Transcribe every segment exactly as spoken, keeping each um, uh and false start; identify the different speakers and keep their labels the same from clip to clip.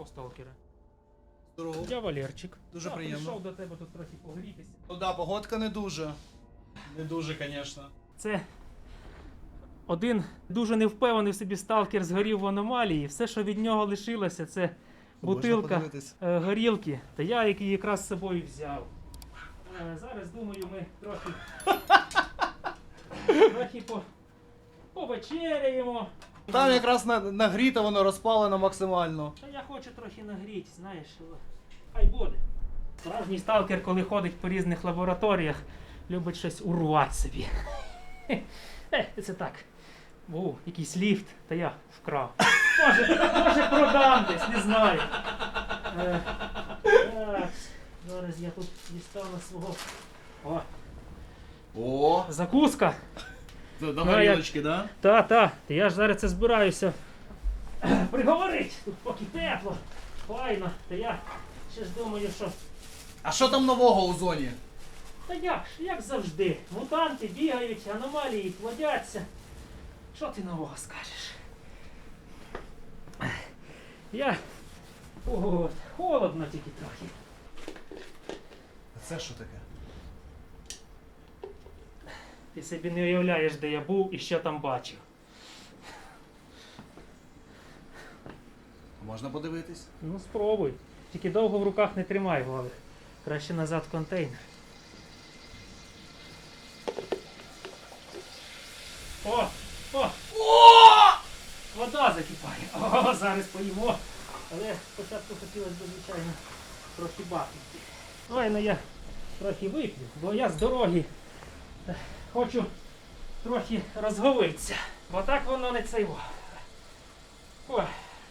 Speaker 1: Здорово, сталкере.
Speaker 2: Здорово.
Speaker 1: Я Валерчик.
Speaker 2: Дуже
Speaker 1: Я
Speaker 2: приємно.
Speaker 1: прийшов до тебе тут трохи погрітися.
Speaker 2: Ну да, погодка не дуже. Не дуже, звісно.
Speaker 1: Це один дуже невпевнений в собі сталкер згорів в аномалії. Все, що від нього лишилося, це бутилка е, горілки. Та я її якраз з собою взяв. Е, зараз, думаю, ми трохи, трохи по, повечеряємо.
Speaker 2: Там якраз на, нагріто, воно розпалено максимально.
Speaker 1: Та я хочу трохи нагріти, знаєш. Хай буде. Справжній сталкер, коли ходить по різних лабораторіях, любить щось урвати собі. Е, це так. Був якийсь ліфт, та я вкрав. Може, може продам десь, не знаю. Е, так, зараз я тут дістану свого. О,
Speaker 2: О,
Speaker 1: закуска.
Speaker 2: це до
Speaker 1: Ну,
Speaker 2: горілочки, да?
Speaker 1: Та, та, та я ж зараз це збираюся приговорити. Тут поки тепло, файно. Та я ще ж думаю, що...
Speaker 2: А що там нового у зоні?
Speaker 1: Та як ж, як завжди. Мутанти бігають, аномалії плодяться. Що ти нового скажеш? Я... От, холодно тільки трохи.
Speaker 2: А це що таке?
Speaker 1: Ти собі не уявляєш, де я був і що там бачив.
Speaker 2: Можна подивитись?
Speaker 1: Ну спробуй. Тільки довго в руках не тримай, Валик. Краще назад в контейнер. О! О!
Speaker 2: О!
Speaker 1: Вода закипає. О, зараз поїмо. Але спочатку хотілося б, звичайно, трохи бахнути. Ой, ну я трохи вип'ю, бо я з дороги е, хочу трохи розговитися. Бо так воно не цейво. Ой.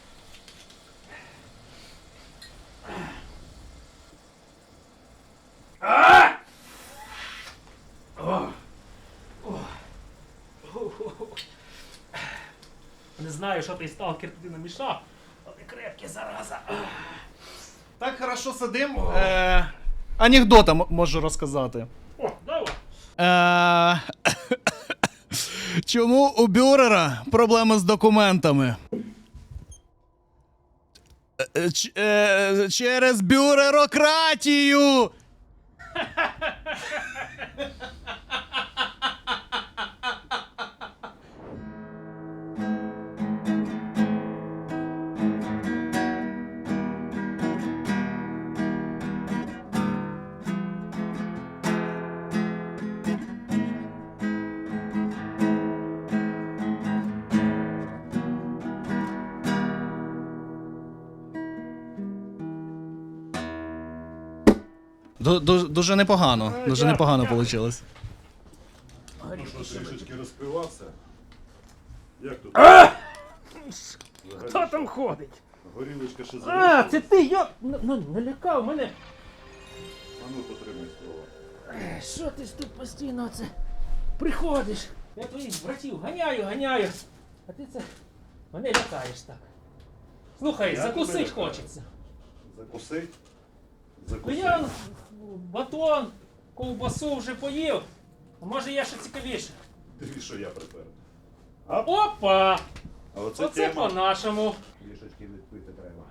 Speaker 1: А! О! О! Не знаю, що той сталкер туди намішав, але крепке, зараза.
Speaker 2: Так хорошо сидим. Е, анекдота м- можу розказати.
Speaker 1: О, давай.
Speaker 2: Е, чому у Бюрера проблеми з документами? Е, ч- е, через бюрерократію! Дуже непогано. Дуже непогано вийшло.
Speaker 3: Ну що, трішечки розпивався? Як тут?
Speaker 1: Хто там ходить?
Speaker 3: Горілочка ще
Speaker 1: А,
Speaker 3: залишилась?
Speaker 1: це ти, я ну, налякав мене.
Speaker 3: А ну потримай слова.
Speaker 1: Е, Що ти ж тут постійно це приходиш? Я твоїх братів ганяю, ганяю. А ти це мене лякаєш так. Слухай,
Speaker 3: Я
Speaker 1: закусить
Speaker 3: тебе лякаю.
Speaker 1: хочеться.
Speaker 3: Закуси?
Speaker 1: Ну
Speaker 3: Закуси.
Speaker 1: я батон, ковбасу вже поїв. А може є що цікавіше?
Speaker 3: Диві, що я припер.
Speaker 1: Опа!
Speaker 3: А оце,
Speaker 1: Оце
Speaker 3: тема.
Speaker 1: по-нашому.
Speaker 3: Трішечки відпити треба.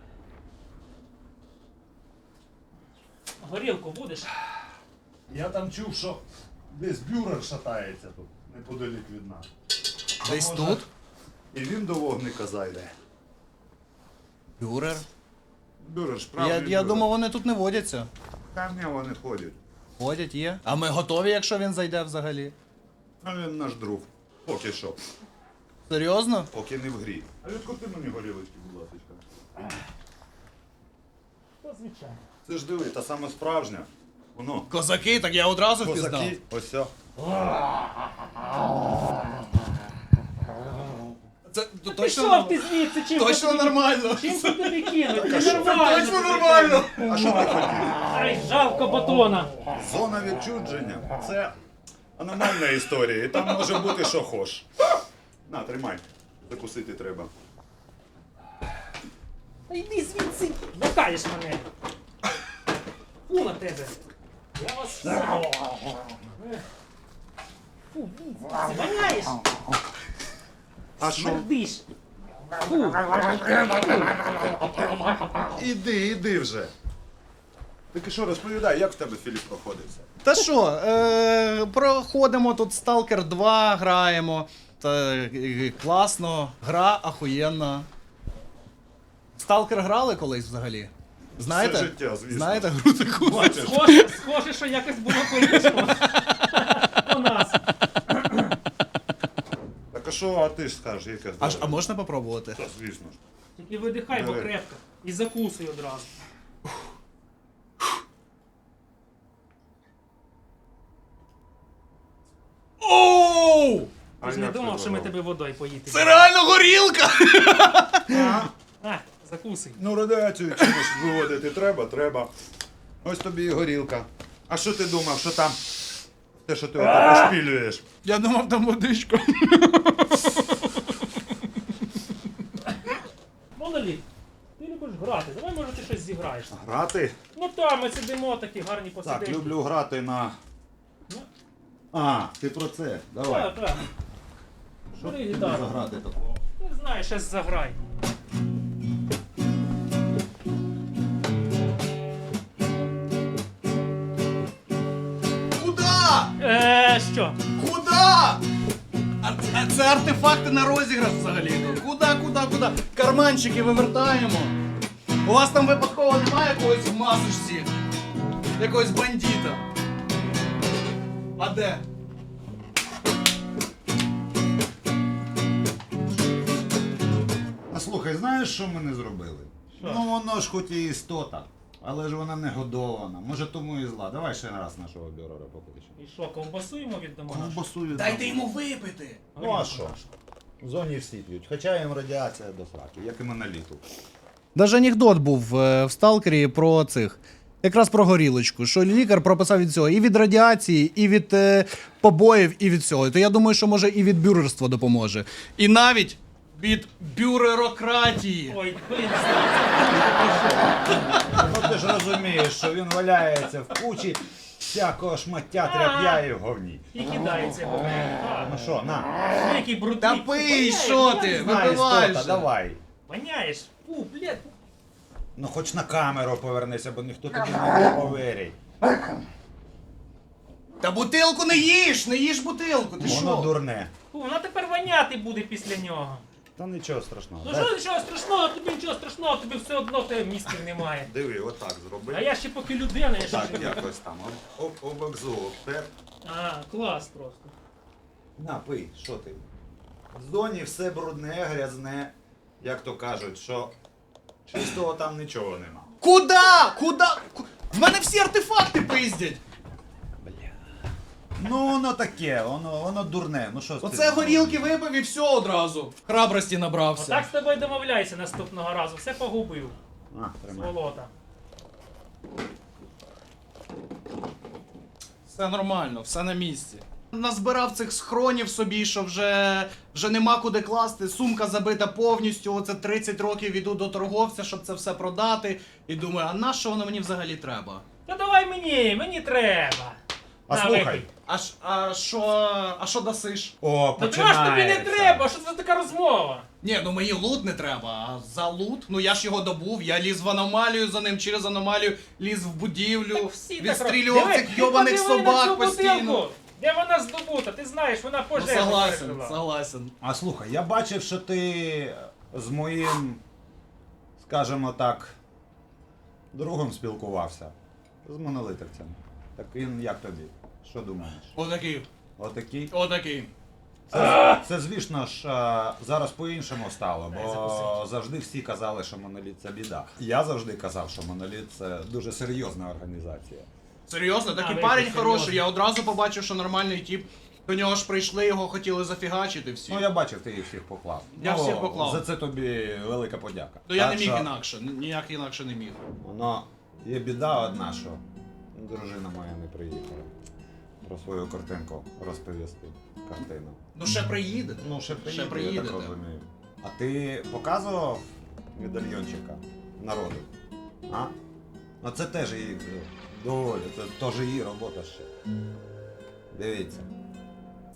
Speaker 1: Горілку будеш?
Speaker 3: Я там чув, що десь бюрер шатається тут, неподалік від нас.
Speaker 2: Десь
Speaker 3: Може,
Speaker 2: тут?
Speaker 3: І він до вогника зайде.
Speaker 2: Бюрер?
Speaker 3: Бюрер, ж
Speaker 2: Я,
Speaker 3: правильний
Speaker 2: я
Speaker 3: бюрер.
Speaker 2: думав, вони тут не водяться.
Speaker 3: Та ні, вони ходять.
Speaker 2: Ходять, є. А ми готові, якщо він зайде взагалі.
Speaker 3: А він наш друг. Поки що.
Speaker 2: Серйозно?
Speaker 3: Поки не в грі. А відкупи мені горілочки, будь ласка.
Speaker 1: То звичайно.
Speaker 3: Це ж диви, та саме справжня. Воно.
Speaker 2: Козаки, так я одразу впізнав.
Speaker 3: Козаки. Ось о.
Speaker 2: Це т- точно,
Speaker 1: Пішов ти звідси, чим
Speaker 2: точно
Speaker 1: тобі-
Speaker 2: нормально.
Speaker 1: Чим це тобі кинуть?
Speaker 3: а що?
Speaker 1: Нормально.
Speaker 2: Точно нормально.
Speaker 3: А що ти хотів?
Speaker 1: Ай, жалко батона.
Speaker 3: Зона відчудження. Це аномальна історія. І там може бути що хош. На, тримай. Закусити треба.
Speaker 1: Та йди звідси. Лякаєш мене. Фу на тебе. Я вас всіх. Фу, звідси. Ганяєш.
Speaker 3: А що?
Speaker 1: Смердиш.
Speaker 3: Іди, іди вже. Так і що, розповідай, як в тебе Філіп проходився?
Speaker 2: Та що, е, проходимо тут Сталкер два, граємо. Та, е, класно, гра ахуєнна. Сталкер грали колись взагалі? Знаєте?
Speaker 3: Все життя, звісно.
Speaker 2: Знаєте гру таку?
Speaker 3: Бачиш?
Speaker 1: Схоже, схоже, що якось було близько у нас.
Speaker 3: Так а що, а ти ж скажеш, яке
Speaker 2: А, ж- а
Speaker 3: здоров'я?
Speaker 2: можна попробувати?
Speaker 3: Та, звісно ж.
Speaker 1: Тільки видихай, бо
Speaker 3: Давай.
Speaker 1: крепко. І закусуй одразу.
Speaker 2: Оу!
Speaker 1: Ти ж не думав, що ми тебе водою поїти.
Speaker 2: Це реально горілка!
Speaker 1: А, закусуй.
Speaker 3: Ну, радіацію чимось виводити треба, треба. Ось тобі і горілка. А що ти думав, що там те, що ти ото пошпілюєш?
Speaker 2: Я думав, там водичка.
Speaker 1: Моноліт, ти любиш грати, давай може ти щось зіграєш.
Speaker 3: Грати?
Speaker 1: Ну там ми сидимо такі гарні посиденьки.
Speaker 3: Так, люблю грати на.
Speaker 1: Ну,
Speaker 3: А, ти про це. Давай.
Speaker 1: так, так.
Speaker 3: Що
Speaker 1: бери
Speaker 3: тобі
Speaker 1: гітару.
Speaker 3: заграти такого?
Speaker 1: Не знаю, щось заграй.
Speaker 2: Куда?
Speaker 1: Е, що?
Speaker 2: Куда? А, а це артефакти на розіграш взагалі. Куда, куда, куда? Карманчики вивертаємо. У вас там випадково немає якогось в масочці? Якогось бандита? А де?
Speaker 3: А слухай, знаєш, що ми не зробили?
Speaker 1: Що?
Speaker 3: Ну воно ж хоч і істота, але ж вона не годована. Може тому і зла. Давай ще раз нашого бюрора покличемо.
Speaker 1: І що, ковбасу йому віддамо? нашу?
Speaker 3: Ковбасую.
Speaker 2: Дайте йому випити.
Speaker 3: Ну а що? В зоні всі п'ють, хоча їм радіація до сраки, як і моноліту.
Speaker 2: Даже анекдот був е, в Сталкері про цих. Якраз про горілочку, що лікар прописав від цього і від радіації, і від е, побоїв, і від цього. То я думаю, що може і від бюрерства допоможе. І навіть від бюрерократії.
Speaker 1: Ой, блін,
Speaker 3: Ну ти ж розумієш, що він валяється в кучі всякого шмаття тряп'я і в говні.
Speaker 1: і кидається в мене.
Speaker 3: Ну що, на.
Speaker 1: Ну, який брудний.
Speaker 2: Та пий,
Speaker 1: Воняє,
Speaker 2: що ти?
Speaker 1: воняє.
Speaker 3: На,
Speaker 2: Випивай
Speaker 3: істота,
Speaker 2: же.
Speaker 3: давай.
Speaker 1: Воняєш. Фу, блядь.
Speaker 3: Ну хоч на камеру повернися, бо ніхто тобі не повірить.
Speaker 2: Та бутилку не їж, не їж бутилку, ти
Speaker 3: Воно
Speaker 2: що?
Speaker 3: дурне.
Speaker 1: Фу, вона тепер воняти буде після нього.
Speaker 3: Та нічого страшного.
Speaker 1: Ну
Speaker 3: Дай-
Speaker 1: що нічого страшного, тобі нічого страшного, тобі все одно в тебе мізків немає.
Speaker 3: Диви, отак зроби.
Speaker 1: А я ще поки людина, я ще
Speaker 3: Так,
Speaker 1: поки...
Speaker 3: якось там. Об, об, обекзу обтер.
Speaker 1: А, клас просто.
Speaker 3: На, пий, що ти? В зоні все брудне, грязне, як то кажуть, що чистого там нічого нема.
Speaker 2: Куда? Куда? Ку- В мене всі артефакти пиздять.
Speaker 3: Ну воно таке, воно, воно дурне. Ну що ж ти
Speaker 2: Оце
Speaker 3: знаєш?
Speaker 2: горілки випив і все одразу. Храбрості набрався.
Speaker 1: Отак з тобою домовляйся наступного разу, все погубив.
Speaker 3: На, тримай.
Speaker 1: Сволота.
Speaker 2: Все нормально, все на місці. Назбирав цих схронів собі, що вже, вже нема куди класти. Сумка забита повністю. Оце тридцять років іду до торговця, щоб це все продати. І думаю, а на що воно мені взагалі треба?
Speaker 1: Та давай мені, мені треба.
Speaker 3: А
Speaker 1: На,
Speaker 3: слухай.
Speaker 1: випий.
Speaker 2: А ж- а що, а що дасиш?
Speaker 3: О,
Speaker 1: Та чого ж тобі не
Speaker 3: починається.
Speaker 1: треба? Що це за така розмова?
Speaker 2: Ні, ну мені лут не треба, а за лут, ну я ж його добув, я ліз в аномалію за ним, через аномалію ліз в будівлю,
Speaker 1: Так всі так
Speaker 2: відстрілював
Speaker 1: роблять.
Speaker 2: цих
Speaker 1: Диви,
Speaker 2: йобаних
Speaker 1: ти подиви на
Speaker 2: собак
Speaker 1: цю
Speaker 2: постійно.
Speaker 1: бутилку. Де вона здобута? Ти знаєш, вона
Speaker 2: Ну,
Speaker 1: пожежу
Speaker 2: согласен,
Speaker 1: пережила.
Speaker 2: согласен.
Speaker 3: А слухай, я бачив, що ти з моїм, скажімо так, другом спілкувався. З монолитовцем. Так він як тобі? Що думаєш?
Speaker 2: Отакий,
Speaker 3: Отакий?
Speaker 2: отакий.
Speaker 3: Це, це звісно ж, а, зараз по-іншому стало,
Speaker 1: Дай
Speaker 3: бо
Speaker 1: закусити.
Speaker 3: завжди всі казали, що моноліт це біда. Я завжди казав, що моноліт це дуже серйозна організація.
Speaker 2: Серйозно, такий
Speaker 1: ви
Speaker 2: парень
Speaker 1: серйозно.
Speaker 2: хороший, я одразу побачив, що нормальний тип. До нього ж прийшли, його хотіли зафігачити всі.
Speaker 3: Ну я бачив, ти їх всіх поклав.
Speaker 2: Я
Speaker 3: ну,
Speaker 2: всіх поклав.
Speaker 3: За це тобі велика подяка.
Speaker 2: То я
Speaker 3: Так
Speaker 2: не міг
Speaker 3: що
Speaker 2: інакше, ніяк інакше не міг.
Speaker 3: Воно є біда одна, що дружина моя не приїхала. Про свою картинку розповісти. Картину.
Speaker 2: Ну ще приїде.
Speaker 3: Ну, ще приїде, я
Speaker 2: приїдете.
Speaker 3: так розумію. А ти показував медальйончика народу? А? Ну це теж її доволі, це теж її робота ще. Дивіться.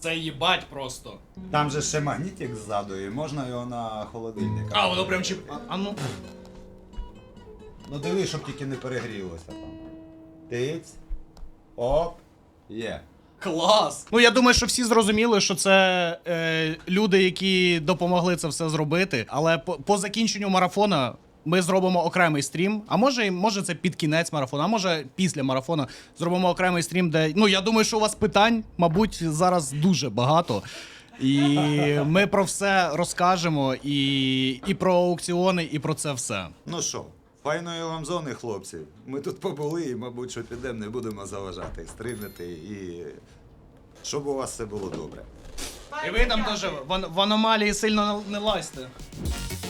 Speaker 4: Це їбать просто.
Speaker 3: Там же ще магнітик ззаду, і можна його на холодильник.
Speaker 4: А, воно прям чіп. А, а ну.
Speaker 3: Ну диви, щоб тільки не перегрілося там. Тиць. Оп. Є.
Speaker 4: Клас!
Speaker 2: Ну, я думаю, що всі зрозуміли, що це е, люди, які допомогли це все зробити. Але по, по закінченню марафона ми зробимо окремий стрім. А може, може це під кінець марафону, а може після марафону зробимо окремий стрім, де. Ну, я думаю, що у вас питань, мабуть, зараз дуже багато. І ми про все розкажемо, і, і про аукціони, і про це все.
Speaker 3: Ну що, файної вам зони, хлопці. Ми тут побули і, мабуть, що підемо, не будемо заважати, стрибнути і щоб у вас все було добре.
Speaker 2: І ви там теж в, в аномалії сильно не лазьте.